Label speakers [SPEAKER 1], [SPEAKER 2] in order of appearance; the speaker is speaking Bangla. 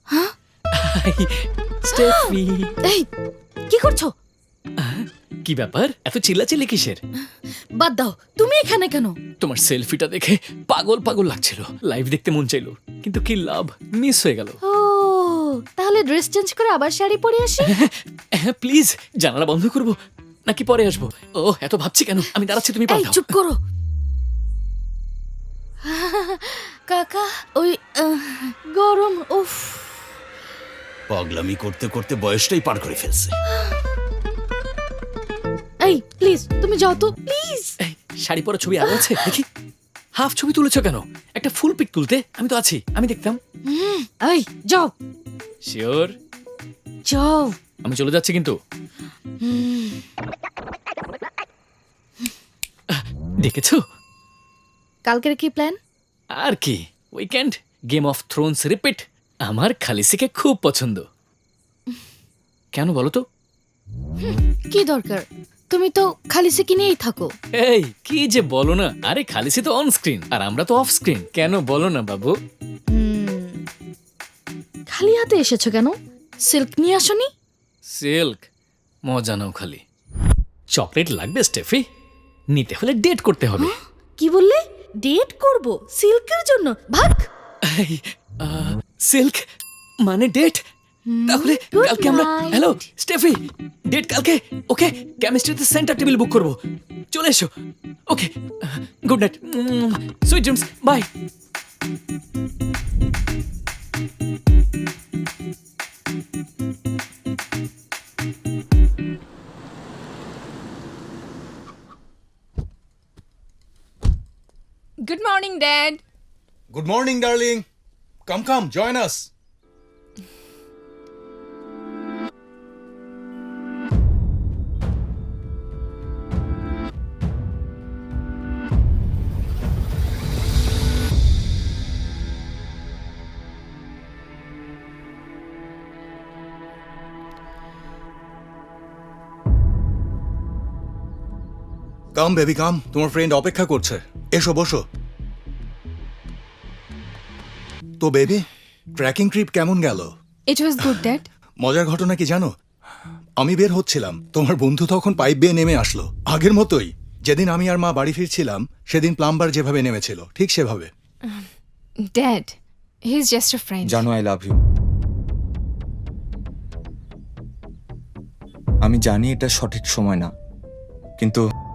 [SPEAKER 1] স্টেফি,
[SPEAKER 2] এই কি করছো?
[SPEAKER 1] কি ব্যাপার, এত চিল্লাচিল্লি কিসের?
[SPEAKER 2] বাদ দাও, তুমি এখানে কেন?
[SPEAKER 1] তোমার সেলফিটা দেখে পাগল পাগল লাগছিল, লাইভ দেখতে মন চাইলো, কিন্তু কি লাভ, মিস হয়ে গেল।
[SPEAKER 2] ও তাহলে ড্রেস চেঞ্জ করে আবার শাড়ি পরে আসি।
[SPEAKER 1] হ্যাঁ প্লিজ, জানালা বন্ধ করবো নাকি পরে আসবো? ও এত ভাবছি কেন, আমি দাঁড়াচ্ছি, তুমি
[SPEAKER 2] এই
[SPEAKER 1] পাল্টাও।
[SPEAKER 2] চুপ করো। কাকা ওই গরম, উফ।
[SPEAKER 3] পাগলামি করতে করতে বয়সটাই পার করে ফেলছে।
[SPEAKER 2] এই প্লিজ তুমি যাও তো, প্লিজ।
[SPEAKER 1] এই, শাড়ি পরা ছবি আরো আছে দেখি। হাফ ছবি তুলেছো কেন? একটা ফুল পিক তুলতে আমি তো আছি, আমি দেখতাম।
[SPEAKER 2] এই যাও
[SPEAKER 1] শিওর?
[SPEAKER 2] যাও।
[SPEAKER 1] আমি চলে যাচ্ছি কিন্তু। দেখেছো?
[SPEAKER 2] কালকের কি প্ল্যান?
[SPEAKER 1] আর কি, weekend, Game of Thrones repeat. আমার খালিসিকে খুব পছন্দ। কেন বলো তো?
[SPEAKER 2] কি দরকার, তুমি তো খালিসিকে নিয়েই থাকো।
[SPEAKER 1] এই কি যে বলো না, আরে খালিসি তো অন স্ক্রিন আর আমরা তো অফ স্ক্রিন, কেন বলো না বাবু?
[SPEAKER 2] খালি হাতে এসেছো কেন? সিল্ক নিয়ে আসনি?
[SPEAKER 1] সিল্ক মজা নাও খালি। চকলেট লাগবে স্টেফি? নিতে হলে ডেট করতে হবে।
[SPEAKER 2] কি বললে? ডেট করব সিল্কের জন্য? ভাগ।
[SPEAKER 1] এই, সিল্ক মানে ডেট? তাহলে
[SPEAKER 2] good
[SPEAKER 1] কালকে আমরা,
[SPEAKER 2] night.
[SPEAKER 1] হ্যালো স্টেফি, ডেট কালকে। ওকে, কেমিস্ট্রিতে সেন্টার টেবিল বুক করব, চলে এসো। Okay, good night, sweet dreams, bye.
[SPEAKER 4] Good morning, Dad.
[SPEAKER 3] Good morning darling, come come join us. Come baby come, তোমার ফ্রেন্ড অপেক্ষা করছে, এসো বসো। তো বেবি, ট্রেকিং ট্রিপ কেমন গেল?
[SPEAKER 4] It was good, Dad.
[SPEAKER 3] মজার ঘটনা কি জানো, আমি বের হচ্ছিলাম, তোমার বন্ধু তখন পাইপ বেয়ে নেমে আসলো, আগের মতোই। যেদিন আমি আর মা বাড়ি ফিরছিলাম সেদিন প্লাম্বার যেভাবে নেমেছিল ঠিক সেভাবে।
[SPEAKER 4] Dad, he's just a friend.
[SPEAKER 5] জানো আই লাভ ইউ। আমি জানি এটা সঠিক সময় না, কিন্তু